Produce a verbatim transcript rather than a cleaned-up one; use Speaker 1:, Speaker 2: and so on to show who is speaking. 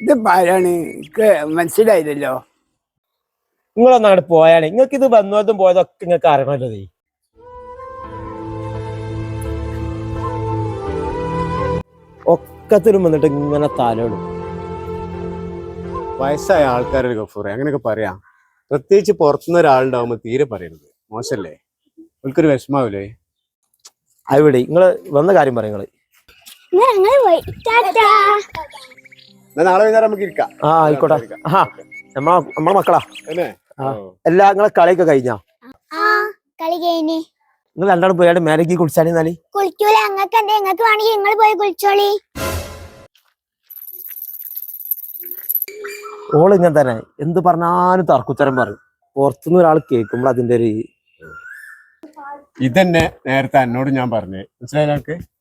Speaker 1: ഇത് ആരാണ് എനിക്ക് മനസ്സിലായില്ലല്ലോ.
Speaker 2: നിങ്ങളൊന്നും അങ്ങോട്ട് പോയാണ്. നിങ്ങൾക്ക് ഇത് വന്നതും പോയതൊക്കെ നിങ്ങൾക്ക് അറിയണല്ലോ. ഒക്കത്തിനും വന്നിട്ട് ഇങ്ങനെ തലോടും.
Speaker 3: വയസ്സായ ആൾക്കാരൊരു ഗഫൂറെ അങ്ങനെയൊക്കെ പറയാം. പ്രത്യേകിച്ച് പുറത്തുനിന്ന് ഒരാളുണ്ടാവുമ്പോ തീരെ പറയരുത്, മോശല്ലേ? എനിക്കൊരു വിഷമാവില്ലേ?
Speaker 2: അവിടെ നിങ്ങള് വന്ന കാര്യം പറയും.
Speaker 3: നാളെ വൈകുന്നേരം നമുക്ക് ഇരിക്കാം.
Speaker 2: ആ ആയിക്കോട്ടെ. ആ നമ്മളെ നമ്മളെ മക്കളാ എല്ലാ നിങ്ങളെ കളിയൊക്കെ കഴിഞ്ഞാ?
Speaker 4: കളി കഴിഞ്ഞ്
Speaker 2: നിങ്ങൾ രണ്ടാളും പോയാണ്ട് മേലേക്ക് കുളിച്ചാൽ
Speaker 4: കുളിക്കൂല. അങ്ങക്ക് എന്താ? നിങ്ങൾക്ക് വേണമെങ്കിൽ നിങ്ങൾ പോയി കുളിച്ചോളി.
Speaker 2: ഓള് ഇങ്ങനെ തന്നെ എന്ത് പറഞ്ഞാലും തർക്കുത്തരം പറയും. പുറത്തുനിന്ന് ഒരാൾ കേൾക്കുമ്പോൾ അതിന്റെ ഒരു
Speaker 3: ഇതന്നെ നേരത്തെ എന്നോട് ഞാൻ പറഞ്ഞേ, മനസ്സിലായി?